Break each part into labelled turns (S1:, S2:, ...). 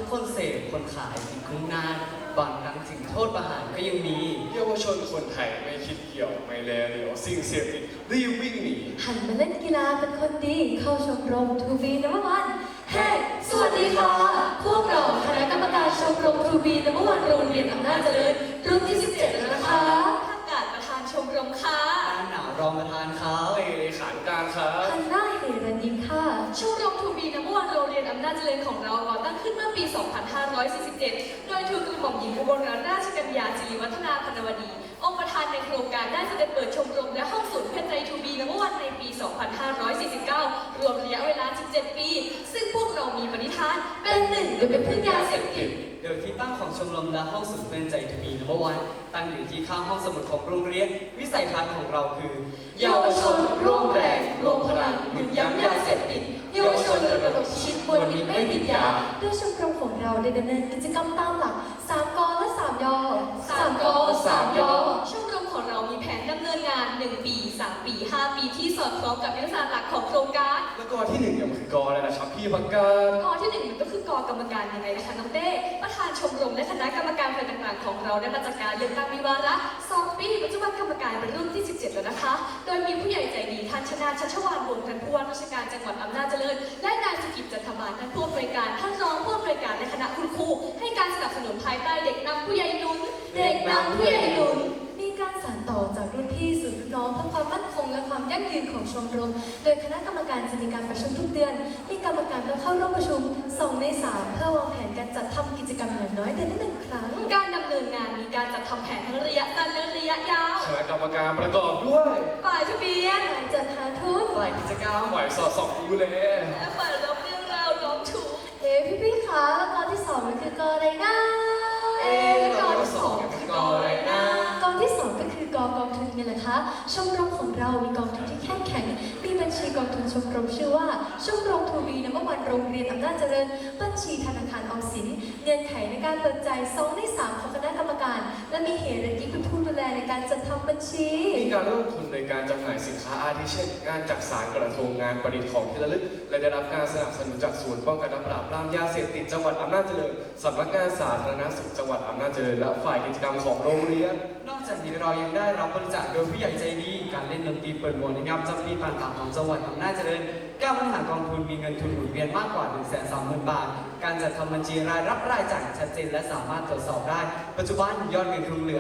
S1: คนเสพคนขายติดคุกนานบางครั้งถึงโทษประหารก็ยังมี
S2: เยาวชนคนไทยไม่คิดเกี่ยวไม่แลเหลียวสิ่งเสพติดรีบวิ่งหนี
S3: หันมาเล่นกีฬาเป็นคนดีเข้าชมรมทูบีนัมวันเฮ้สวัสดีค่ะพวกเราคณะกรรมการชมรมทูบีนัมวันโรงเรียนอำนาจเจริญรุ่นที่17แล้วนะคะ
S4: ท่านกาศประธานชมรมค่ะ
S1: หนาวรองประธานเขา
S2: เลขานุการครับ
S3: ฮันน่าเฮรันยิมค่ะ
S4: ชมรมทูบีนัมวันโรงเรียนอำนาจเจริญของเราก่อตั้งขึ้นเมื่อปี 2547 โดยทูลกระหม่อมหญิงอุบลรัตนราชกัญญาจิริวัฒนาพนวดี องค์ประธานในโครงการได้เสด็จเปิดชมรมและห้องศูนย์เพื่อใจทูบีนัมวันในปี 2549 รวมระยะเวลา 17 ปี ซึ่งพวกเรามีปณิธานเป็นหนึ่งโดยเป็นพึ่งยาเสพติด
S1: โดยที่ตั้งของชมรมและห้องสุดเป็นใจทูบีนัมวันตั้งอยู่ที่ข้างห้องสมุดของโรงเรียนวิสัยทัศน์ของเราคือ
S4: เยาวชนร่วมแรงรวมพลังหยุดยั้งยาเสพติดเยาวชนระดมชีวิตวันนี้ไม่ติดยา
S3: ด้วยชมรมของเราได้ดำเนินกิจกรรมตามหลัก3 กและ3 ย
S4: 3 ก3 ยชมรมของเรามีแผนดำเนินงาน1 ปี 3 ปี 5 ปีที่สอดคล้องกับยุทธศาสตร์หลักของโครงการ
S2: แล้วกอที่1เนี่ยมันคือกออะไรนะครับพี่พักกาศ
S4: กอที่1มันก็คือกอกรรมการยังไงนะคะน้องเต้ประธานชมรมและคณะกรรมการฝ่ายต่างๆของเราได้มาจากการเลือกตั้งมีวาระ2 ปีปัจจุบันกรรมการเป็นรุ่นที่17แล้วนะคะโดยมีผู้ใหญ่ใจดีท่านชนาชัชวานวงศ์ท่านผู้ว่าราชการจังหวัดอำนาจเจริญและนายสุกิจจันทบาลท่านผู้อำนวยการท่านรองผู้อำนวยการและคณะคุณครูให้การสนับสนุนภายใต้เด็กนำผู้ใหญ่หนุนเด็กนำผู้ใหญ่หนุน
S3: มีการสานต่อจากรุ่นพี่สู่รุ่นน้องเพื่อความมั่นคงและความยั่งยืนของชมรมโดยคณะกรรมการจะมีการประชุมทุกเดือนมีกรรมการต้องเข้าร่วมประชุม2 ใน 3เพื่อวางแผนการจัดทำกิจกรรมอย่างน้อยเดือนละ1 ครั้ง
S4: การดำเนินงานมีการจัดทำแผนทั้งระยะสั้นและระยะยาว
S2: คณะกรรมการประกอบด้วย
S4: ฝ่ายทะเบียน
S3: ฝ่ายจัดหาทุน
S1: ฝ่ายกิจกรรม
S2: ฝ่ายสอดส่องดูแล
S4: และฝ่ายรับเรื่องราวร้องถูก
S3: พี่คะแล้วกอที่2มันคือกออะไรนะ
S4: แล้วกอที่2คือกออะไรนะ
S3: กอที่2ก็คือกองทุนไงล่ะคะชมรมของเรามีกองทุนที่เข้มแข็งมีบัญชีกองทุนชมรมชื่อว่าชมรมทูบีนัมวันโรงเรียนอำนาจเจริญบัญชีธนาคารออมสินเงื่อนไขในการเปิดใจ2 ใน 3ของคณะกรรมการและมีเหตุและที่เป็นผู้ดูแลในการจัดทำบัญชี
S2: มีการลงทุนในการจำหน่ายสินค้าอาทิเช่นงานจักสานกระทงงานประดิษฐ์ของที่ระลึกและได้รับการสนับสนุนจากศูนย์ป้องกันและปราบปรามยาเสพติดจังหวัดอำนาจเจริญสำนักงานสาธารณสุขจังหวัดอำนาจเจริญและฝ่ายกิจกรรมของโรงเรียน
S1: นอกจากนี้เรายังได้รับบริจาคโดยผู้ใหญ่ใจดีการเล่นดนตรีเปิดหมวกในงานประจำปีต่างๆของจังหวัดอำนาจเจริญการบริหารกองทุนมีเงินทุนหมุนเวียนมากกว่า 130,000 บาทการจัดทำบัญชีรายรับรายจ่ายชัดเจนและสามารถตรวจสอบได้ปัจจุบันยอดเงินคงเหลือ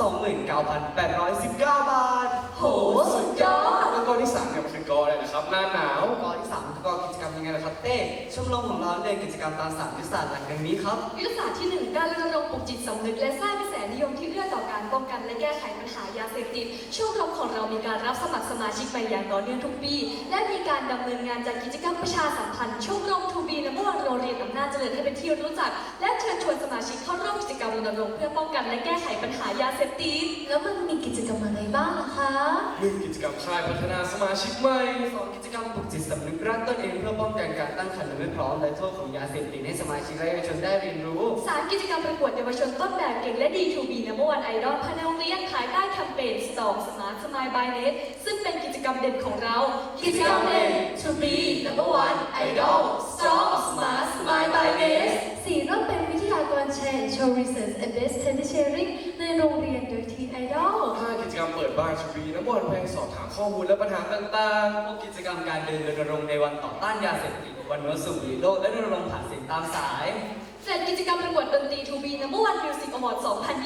S1: 29,819 บาท
S4: โหสุดยอด
S2: แล้วกอที่3เนี่ยมันคือกออะไรนะครับหน้าหนาว
S1: กอที่3คือกอกิจกรรมยังไงล่ะครับเต้ชมรมของเราเดินกิจกรรมตาม3ยุทธศาสตร์หลักดังนี้ครับ
S4: ยุทธศาสตร์ที่1การรณรงค์ปลุกจิตสำนึกและสร้างกระแสนิยมที่เอื้อต่อการป้องกันและแก้ไขปัญหายาเสพติดชมรมของเรามีการรับสมัครสมาชิกใหม่อย่างต่อเนื่องทุกปีและมีการดำเนินงานจัดกิจกรรมประชาสัมพันธ์ชมรมทูบีนัมวันโรงเรียนอำนาจเจริญให้เป็นที่รู้จักและเชิญชวนสมาชิกเข้าร่วมกิจกรรมรณรงค์เพื่อป้องกันและแก้ไขปัญหายาเสพติด
S3: แล้วมันมีกิจกรรมอะไรบ้างล่ะคะ
S2: 1กิจกรรมค่ายพัฒนาสมาชิกใหม่
S1: 2กิจกรรมปลุกจิตสำนึกรักตนเองเพื่อป้องกันการตั้งครรภ์และไม่พร้อมและโทษของยาเสพติดให้สมาชิกและเยาวชนได้เรียนรู้
S4: 3กิจกรรมประกวดเยาวชนต้นแบบเก่งและดีทูบีนัมวันไอดอลภายในโรงเรียนภายใต้แคมเปญ Strong Smart Smile by Net ซึ่งเป็นกิจกรรมเด่นของเรากิจกรรมเด่น To be number one idol strong smart smile by Net
S3: 4ร่วมเป็นวิทยากรแชร์ Show Research and Best Study Sharing ในโรงเรียนโดยทีม Idol
S2: 5กิจกรรมเปิดบ้านทูบีนัมวันแพงสอบถามข้อมูลและปัญหาต่าง
S1: ๆ6กิจกรรมการเดินรณรงค์ในวันต่อต้านยาเสพติดวันวันสูบบุหรี่โลกและรณรงค์ผ่านเสียงตามสาย
S4: 7กิจกรรมประกวดดนตรีทูบีนัมวันมิวสิกอวอร์ด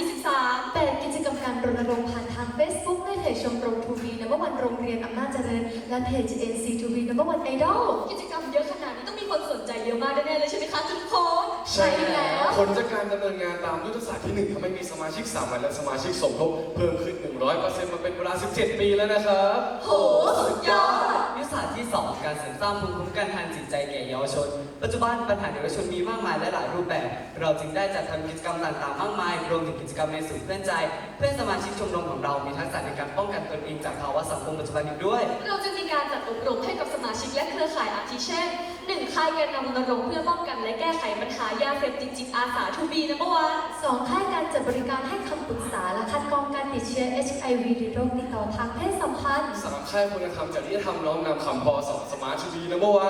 S4: 2023
S3: 8กิจกรรมการรณรงค์ผ่านทาง Facebook ในเพจชมรมทูบีนัมวันโรงเรียนอำนาจเจริญและเพจ NC ทูบีนัมวันไอดอล
S4: กิจกรรมเยอะขนาดนี้ต้องมีคนสนใจเยอะมากแน่ๆเลยใช่ไหมคะทุกคน
S2: ใช่แล้วผลจากการดำเนินงานตามยุทธศาสตร์ที่1ทำให้มีสมาชิกสามัญและสมาชิกสมทบเพิ่มขึ้น 100% มาเป็นเวลา17 ปีแล้วนะครับ
S4: โหสุดยอด
S1: ยุทธศาสตร์ที่2การเสริมสร้างภูมิคุ้มกันทางจิตใจแก่เยาวชนปัจจุบันปัญหาเยาวชนมีมากมายและหลายรูปแบบเราจึงได้จัดทำกิจกรรมต่างๆมากมายรวมถึงกิจกรรมในศูนย์เพื่อนใจเพื่อสมาชิกชมรมของเรามีทักษะในการป้องกันตนเองจากภาวะสังคมปัจจุบันอีกด้วย
S4: เราจะมีการจัดอบรมให้กับสมาชิกและเครือข่ายอาทิเช่น 1ค่ายแกนนำรณรงค์เพื่อป้องกันและแก้ไขปัญหายาเสพติดจิตอาสาทูบีนัมวัน
S3: 2ค่ายการจัดบริการให้คำปรึกษาและคัดกรองการติดเชื้อ HIV หรือโรคติดต่อทางเพศสัมพันธ์
S2: 3ค่ายคุณธรรมจริยธรรมน้อมนำคำพอสอนสมาร์ททูบีนัมวัน
S1: 4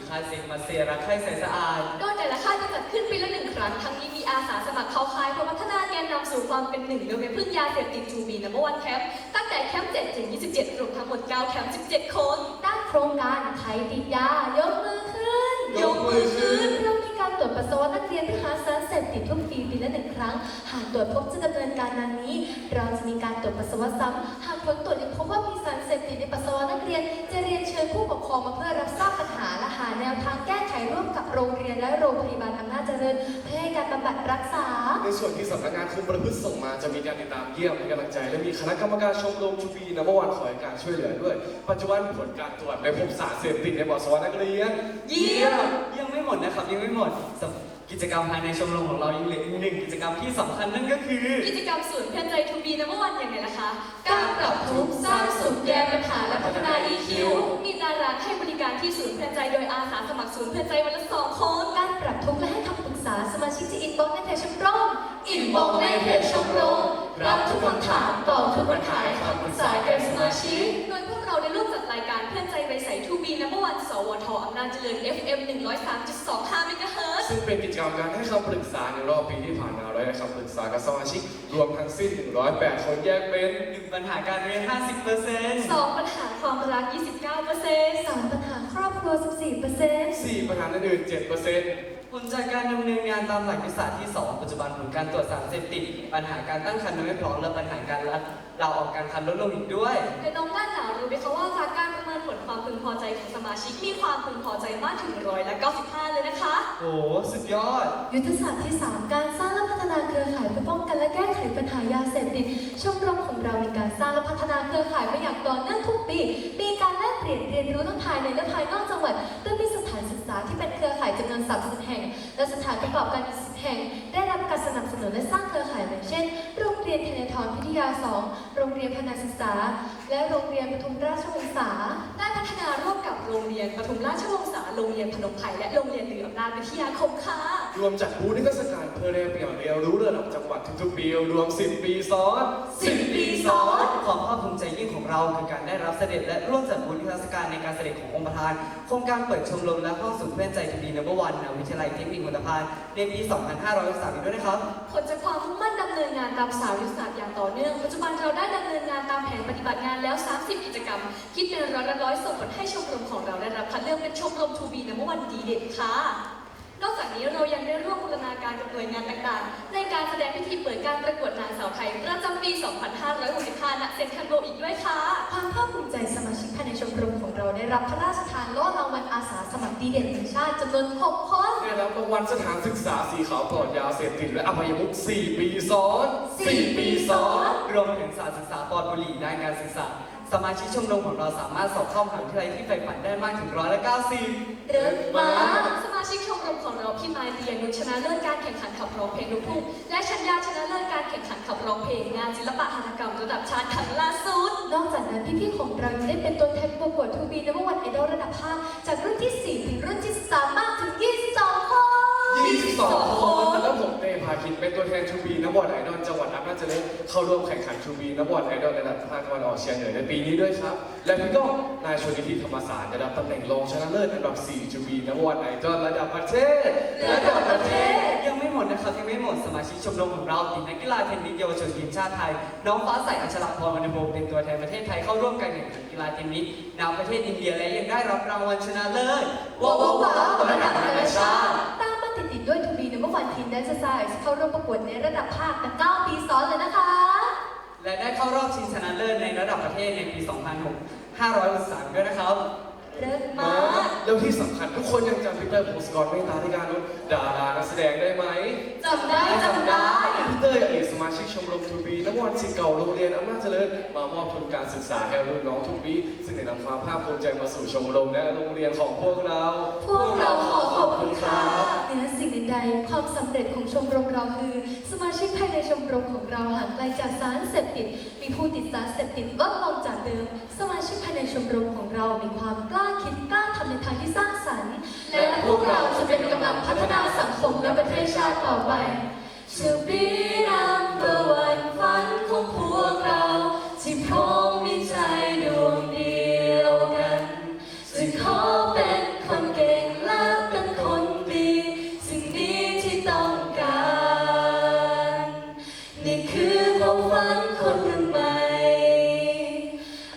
S1: ค่ายเซกมาเซรักใครใสสะอาด
S4: โดยแต่ละค่ายจะจัดขึ้นปีละ1 ครั้ง ทั้งนี้มีอาสาสมัครเข้าค่ายเพื่อพัฒนาแกนนำสู่ความเป็นหนึ่งโดยไม่พึ่งยาเสพติดทูบีนัมเบอร์วันแคมป์ตั้งแต่แคมป์7ถึง27รวมทั้งหมด9แคมป์17 คน
S3: ด้านโครงการไทยติดยายกมือขึ้น
S1: ยกมือขึ้น
S3: เรามีการตรวจปัสสาวะนักเรียนที่หาสารเสพติดทุกปีละ1 ครั้ง หากตรวจพบจะดำเนินการดังนี้ เราจะมีการตรวจปัสสาวะซ้ำหากผลตรวจยังพบว่ามีสารเสพติดในปัสสาวะนักเรียน จะเรียนเชิญผู้ปกครองมาเพื่อรับทราบปัญหาและหาแนวทางแก้ไขร่วมกับโรงเรียนและโรงพยาบาลอำนาจเจริญเพื่อให้การบำบัดรักษา
S2: ในส่วนที่สำนักงานคุมประพฤติส่งมาจะมีการติดตามเยี่ยมให้กำลังใจ และมีคณะกรรมการชมรมทูบีนัมเบอร์วันคอยการช่วยเหลือด้วย ปัจจุบันผลการตรวจไม่พบสารเสพติดในปัสสาวะนักเรียน
S1: เยี่ยมยังไม่หมดนะครับยังไม่หมดสำหรับกิจกรรมภายในชมรมของเรายังเหลืออีกหนึ่งกิจกรรมที่สำคัญนั่นก็คือ
S4: กิจกรรมศูนย์เพื่อนใจทูบีนัมเบอร์วันอย่างไรล่ะคะ
S3: การปรับทุกข์สร้างสุขแก้ปัญหาและพัฒนา EQ
S4: มีตารางให้บริการที่ศูนย์เพื่อนใจโดยอาสาสมัครศูนย์เพื่อนใจวันละ2 คน
S3: การปรับทุกข์และให้คำปรึกษาสมาชิกจะอินบ็อกซ์ในเพจชมรมอินบ็อกซ์ในเพจชมรมรับทุกคำถามตอบทุกปัญหาให้คำปรึกษาแก่สมาชิก
S4: โดยพวกเราได้ร่วมจัดรายการเพื่อนใจใบใสทูบีนัมเบอร์วันสวทอำนาจเจริญ FM 103.25 เมกะเฮิรตซ์
S2: ซึ่งเป็นกิจกรรมการให้คำปรึกษาในรอบปีที่ผ่านมาและให้คำปรึกษากับสมาชิกรวมทั้งสิ้น 108 คนแยกเป็น
S1: 1 ปัญหาการเรียน 50%
S4: 2 ปัญหาความรัก 29%
S3: 3 ปัญหาครอบครัว 14%
S2: 4 ปัญหาอื่นๆ 7%
S1: ผลจากการดำเนินงานตามหลักยุทธศาสตร์ที่ 2 ปัจจุบันผลการตรวจสารเสพติดปัญหาการตั้งครรภ์ไม่พร้อมและปัญหาการลาออกกลารครรภ์ลดลงอีกด้วย
S4: แต่น้องด้านหนาวรู้ไหมคะว่าจากการประเมินผลความพึงพอใจของสมาชิกมีความพึงพอใจมากถึง195เลยนะคะ
S1: โอ้สุดยอด
S3: ยุทธศาสตร์ที่ 3 การสร้างและพัฒนาเครือข่ายเพื่อป้องกันและแก้ไขปัญหายาเสพติดชมรมของเรามีการสร้างและพัฒนาเครือข่ายมาอย่างต่อเนื่องทุกปี มีการแลกเปลี่ยนเรียนรู้ทั้งภายในและภายนอกจังหวัดโดยมีสถานศึกษาที่เป็นเครือข่ายจำนวน30แห่ง และสถานประกอบการอีก10แห่ง ได้รับการสนับสนุนและสร้างเครือข่ายอย่างเช่น โรงเรียนเทเลทรพิทยา 2 โรงเรียนพนาศึกษา และโรงเรียนปทุมราชวงศา
S4: ได้พัฒนาร่วมกับโรงเรียนปทุมราชวงศาโรงเรียนพนมไพรและโรงเรียนเหนืออำนาจวิทยาคมค่ะ
S2: รวมจัดบูธนิทรรศการเพื่อแลกเปลี่ยนเรียนรู้ระดับจังหวัดทุกๆปีรวม 10 ปีซ้อน
S1: 10 ปีซ้อนความภาคภูมิใจยิ่งของเราคือการได้รับเสด็จและร่วมจัดบุญนิทรรศการในการเสด็จขององค์ประธานโครงการเปิดชมรมและห้องศูนย์เพื่อนใจทูบีนัมเบอร์วันณวิทยาลัยเทคนิคอุตภานในปี 2563อีกด้วยนะครับ
S4: ผลจากความมุ่งมั่นดำเนินงานตามสาวยุทธศาสตร์อย่างต่อเนื่อง ปัจจุบันเราได้ดำเนินงานตามแผนปฏิบัติงานแล้ว 30 กิจกรรม คิดเป็นร้อยส่งผลให้ชมรมของเราได้รับคัดเลือกเป็นชมรมทูบีนัมเบอร์วันดีเด่นค่ะ นอกจากนี้เรายังได้ร่วมบูรณาการกับหน่วยงานต่างๆ ในการแสดงพิธีเปิดการประกวดนางสาวไทยประจำปี 2565 ณ เซ็นทรัลเวิลด์อีกด้วยค่ะ
S3: ความภาคภูมิใจสมาชิกภายในชมรมของเราได้รับพระราชทานโล่รางวัลอาสาสมัครดีเด่นแห่งชาติจำนวน6 คน
S2: ได้รับรางวัลสถานศึกษาสีขาวปลอดยาเสพติดและอบายมุข4 ปีซ้อน 4 ปีซ้อน
S1: รวมถึงสารศึกษาปลอดบุหรี่ด้านการศึกษาสมาชิกชมรมของเราสามารถสอบเข้ามหาวิทยาลัยที่ใฝ่ฝันได้มากถึง190
S3: เริ่มมา
S4: สมาชิกชมรมของเราพี่มายเรียนนุชชนะเลิศการแข่งขันขับร้องเพลงลูกทุ่งและชัญญาชนะเลิศการแข่งขันขับร้องเพลงงานศิลปะหัตถกรรมระดับชาติครั้งล่าสุด
S3: นอกจากนั้นพี่ๆของเรายังได้เป็นตัวแทนประกวดทูบีนัมเบอร์วันไอดอลระดับภาคจากรุ่นที่ 4 ถึงรุ่นที่ 13 มากถึง 22 คน
S2: 22 คนแล้วผมเต้พาคินเป็นตัวแทนทูบีนักบอลไอดอลจังหวัดอำนาจเจริญเข้าร่วมแข่งขันทูบีนักบอลไอดอลระดับภาคตะวันออกเฉียงเหนือในปีนี้ด้วยครับ และพี่ก้องนายชลนิธิธรรมศาสตร์ได้รับตำแหน่งรองชนะเลิศอันดับ 4 ทูบีนักบอลไอดอลระดับประเทศ
S1: ยังไม่หมดนะครับยังไม่หมดสมาชิกชมรมของเราทีมนักกีฬาเทนนิสเยาวชนทีมชาติไทย น้องฟ้าใสอัชรพรวรรณพงศ์เป็นตัวแทนประเทศไทยเข้าร่วมการแข่งขันกีฬาเทนนิสนำประเทศอินเดียและยังได้รับรางวัลชนะเลิศว้าวระดับนานาชาติ
S3: ตามมาติดๆด้วยทูบีนัมเบอร์วันทีมแดนซ์ไซส์เข้าร่วมประกวดในระดับภาคมา9 ปีซ้อนเลยนะคะ
S1: และได้เข้ารอบชิงชนะเลิศในระดับประเทศในปี 2563 ด้วยนะครับ
S3: เริ่มมา
S2: แล้วที่สำคัญทุกคนยังจำพีเตอร์โพสกรเมตตาธิการนุชดารานักแสดงได้ไหม
S3: จำได้จำได้
S2: พีเตอร์อดีตสมาชิกชมรมทูบีนักบอลศิษย์เก่าโรงเรียนอำนาจเจริญมามอบทุนการศึกษาให้รุ่นน้องทุกปีซึ่งได้นำความภาคภูมิใจมาสู่ชมรมและโรงเรียนของพวกเรา
S3: พวกเราขอขอบคุณค่ะเหนือสิ่งใดๆความสำเร็จของชมรมเราคือ สมาชิกภายในชมรมของเราห่างไกลจากสารเสพติด มีผู้ติดสารเสพติดลดลงจากเดิม สมาชิกภายในชมรมของเรามีความกล้าคิดกล้าทำในทางที่สร้างสรรค์ และพวกเราจะเป็นกำลังพัฒนาสังคมและประเทศชาติต่อไป To be number one ฝันของพวกเรา ที่พร้อมมีใจดวงเดียวกันจะขอเป็นคนเก่ง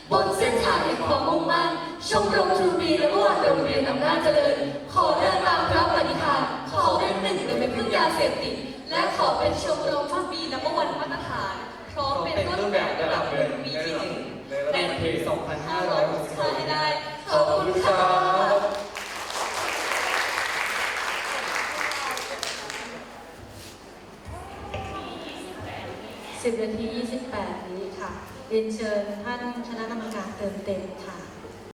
S4: บนเส้นทางแห่งความมุ่งมั่นชมรมทูบีและวันโรงเรียนอำนาจเจริญ ขอเดินตามพระปฏิภาณขอเป็นหนึ่งในไม่พึ่งยาเสพติดและขอเป็นชมรมทูบีนัมเบอร์วันมาตรฐานพร้อมเป็นต้นแบบระดับเรียนมีที่หนึ่งในปี 2565ให้ได้ขอบคุณค่ะ
S5: 10 นาที 28 นี้ค่ะ เรียนเชิญท่านคณะกรรมการเติมเต็มค่ะ